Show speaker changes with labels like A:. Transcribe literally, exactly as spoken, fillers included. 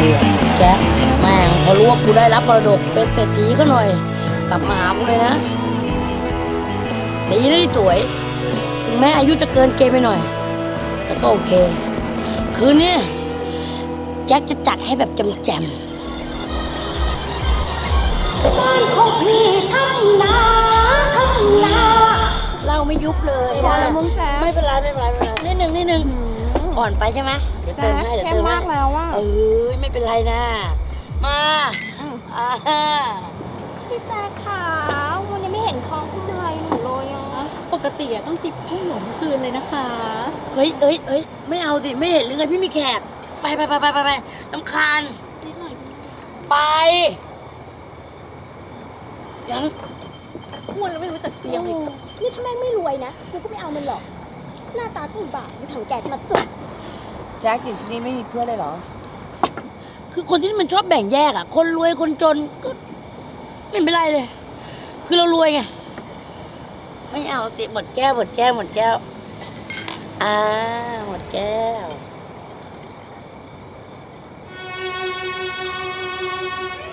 A: อะแจ๊คแม่งพอรู้ว่ากูได้รับมรดกเป็นเศรษฐีก็หน่อย กลับมาหากูเลยนะดีนะที่สวย ถึงแม้อายุจะเกินเกณฑ์ไปหน่อย แต่ก็โอเค คืนนี้แจ็คจะจัดให้แบบแจ่มๆบ้านของพี่ทำนาทำนาเราไม่ยุบเลย
B: พอแล้วมึงแจ๊ค
A: ไม่เป็นไรไม่เป็นไรไม่เป็นไรนิดนึงนิดนึงอ่อนไปใช่ไหมเดี๋ยว
B: แจ๊
A: เติม
B: ค
A: ให้เดี๋ยว
B: เข้ม
A: เติมให้
B: มากแล้วว่า
A: เออไม่เป็นไรนะมาอ่า
C: พี่แจ๊คค่ะวันนี้ไม่เห็นคล้องคุณอะไรหนูเลยอ่ะ
D: ปกติอะต้องจิบให้หนูเมื่อคืนเลยนะคะ
A: เฮ้ยเอ้ยเอ้ยไม่เอาสิไม่เห็นหรือไงพี่มีแขกไปไปไปไปไปไปน้ำคาญ
D: นิดหน่อย
A: ไปยัง
C: อ้วนแล้วไม่รู้จักเจียมอีกนี่ถ้าแม่งไม่รวยนะกูก็ไม่เอามันหรอก หน้าตากูบาปกูถังแก๊สมาจุก
B: แจ็คอยู่ที่นี่ไม่มีเพื่อนเลยเหรอ
A: คือคนที่มันชอบแบ่งแยกอ่ะ คนรวยคนจนก็ไม่เป็นไรเลย คือเรารวยไงไม่เอาติหมดแก้วหมดแก้วหมดแก้วอ่าหมดแก้ว